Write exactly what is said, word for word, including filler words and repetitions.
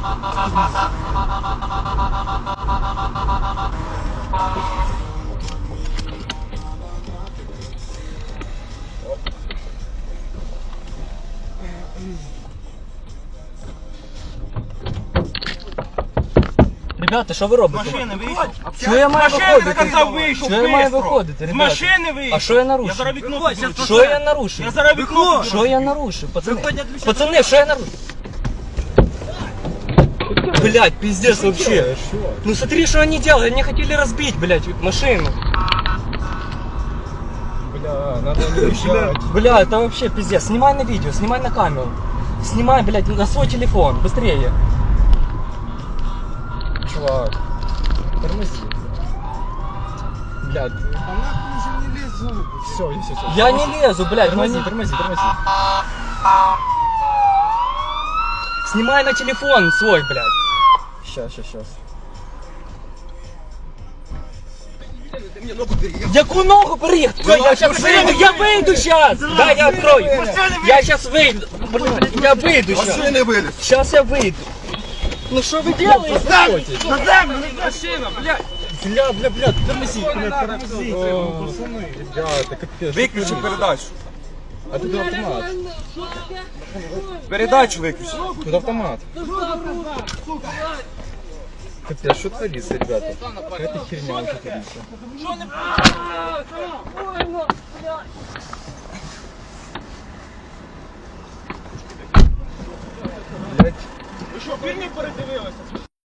Ребята, що ви робите? Машини вийшов. Що я маю виходити? Казав, вийшов, Що я маю бистро. виходити, З ребята? машини вийшов. А що я нарушив? Я зараз вікно покручу. Що я нарушив? Я зараз вікно покручу. Що я нарушив, пацани? Пацани, що я нарушив? Блять, пиздец вообще. Ну смотри, что они делали, они хотели разбить, блять, машину. Бля, надо не уезжать. Бля, это вообще пиздец. Снимай на видео, снимай на камеру. Снимай, блядь, на свой телефон, быстрее. Чувак, тормози. Блядь, Она уже не лезет. все, все, все. Я не лезу, блядь, ну Тормози, они... тормози, тормози. Снимай на телефон свой, блядь. Сейчас, сейчас, сейчас. Яку ногу приехать? Я сейчас выйду, я выйду сейчас! Да, я открою. Я сейчас выйду. Блядь, я выйду сейчас. Машины вылез. Сейчас я выйду. Ну что вы делаете? На землю, не машина, блядь. Бля, бля, бля, тормози. Ребята, капец. Выключи передачу. А тут автомат. Передачу выключи. Тут автомат. Капец, что творится, ребята? Какая-то херня уже творится. Блять. Ви що, фільмів передивилися?